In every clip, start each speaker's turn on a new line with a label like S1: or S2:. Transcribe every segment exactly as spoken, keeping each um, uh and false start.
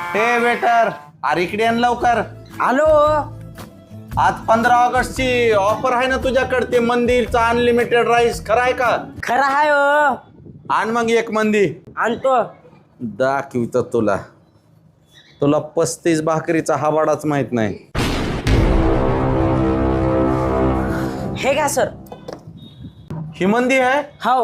S1: हे वेटर, अरे इकडे आण लवकर.
S2: आलो.
S1: आज पंधरा ऑगस्ट ची ऑफर आहे ना तुझ्याकडे, ते मंदिरचा अनलिमिटेड राईस, खरं आहे का?
S2: खरं आहे हो.
S1: आण मग एक मंदी.
S2: आणतो.
S1: दाखवितो तुला. तुला पस्तीस भाकरीचा हवाडाच माहित नाही.
S2: हे का सर?
S1: ही मंदी आहे.
S2: हो.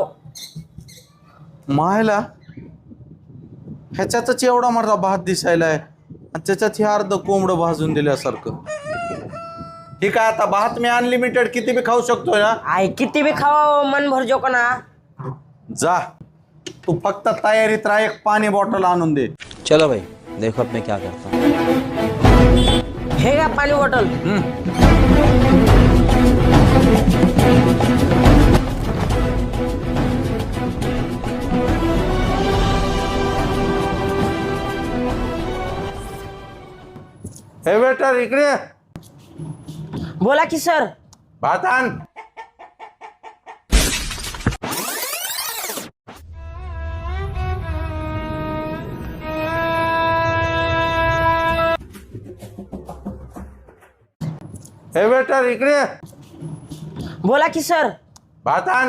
S1: मायला ह्याच्यातच एवढा मोठा भात दिसायला आहे आणि त्याच्यात हे अर्ध कोंबडं भाजून दिल्यासारखं. ठीक आहे, आता भात मी अनलिमिटेड किती बी खाऊ शकतोय ना?
S2: आई किती बी खावा, मन भर जो ना.
S1: जा, तू फक्त तयारीत राह, एक पाणी बॉटल आणून दे.
S3: चलो भाई, देखो अब मैं क्या करता हूँ.
S2: हे का पाणी बॉटल.
S1: हे वेटर इकडे.
S2: बोला की सर.
S1: भात आण. हे वेटर इकडे.
S2: बोला की सर.
S1: भात आण.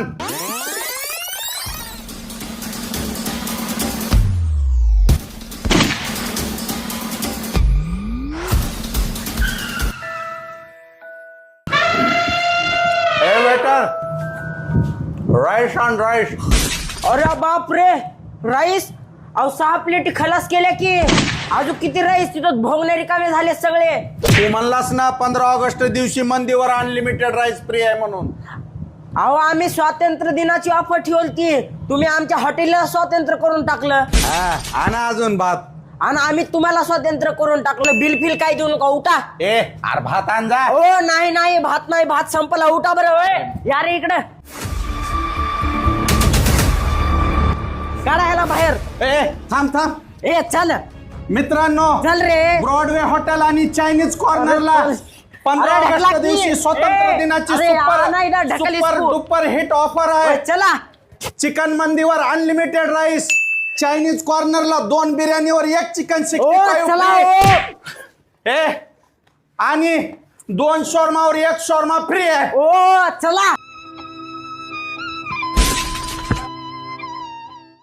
S1: हे वेटर, राईस आण राईस.
S2: अरे बाप रे, राईस. अहो सहा प्लेट खलास केल्या की. अजून किती राईस तिथं भोगणारे कामे झाले सगळे.
S1: तू म्हणलास ना पंधरा ऑगस्ट दिवशी मंदीवर अनलिमिटेड राईस फ्री आहे म्हणून.
S2: अहो आम्ही स्वातंत्र्य दिनाची ऑफर ठेवली, तुम्ही आमच्या हॉटेलला स्वातंत्र्य करून टाकलं.
S1: हा, आणा अजून भात.
S2: आणि आम्ही तुम्हाला स्वातंत्र्य करून टाकलं. बिल फिल काय देऊ नका, उठा.
S1: ए अरे भात आण जा.
S2: ओ नाही नाही, भात नाही, भात संपला, उठा बरं. ओय या रे इकडं, काढा ह्याला बाहेर.
S1: ए थांब थांब.
S2: ए चल
S1: मित्रांनो,
S2: चल रे.
S1: ब्रॉडवे हॉटेल आणि चायनीज कॉर्नरला
S2: अरे,
S1: पंधरा
S2: अरे,
S1: ऑगस्ट
S2: ढकला की.
S1: दिवशी स्वातंत्र्य
S2: ए,
S1: दिनाची
S2: अरे, आ, नाही ना,
S1: सुपर
S2: ढकलीस
S1: सुपर
S2: तू.
S1: डुपर हिट ऑफर
S2: ओय,
S1: आहे.
S2: चला.
S1: चिकन मंदीवर अनलिमिटेड राईस, चायनीज कॉर्नरला दोन बिर्याणीवर एक चिकन
S2: ओ
S1: सिक्स्टी
S2: चला.
S1: फाईव्ह
S2: ओ.
S1: ए आणि दोन शॉर्मावर एक शॉर्मा फ्री आहे.
S2: ओ चला.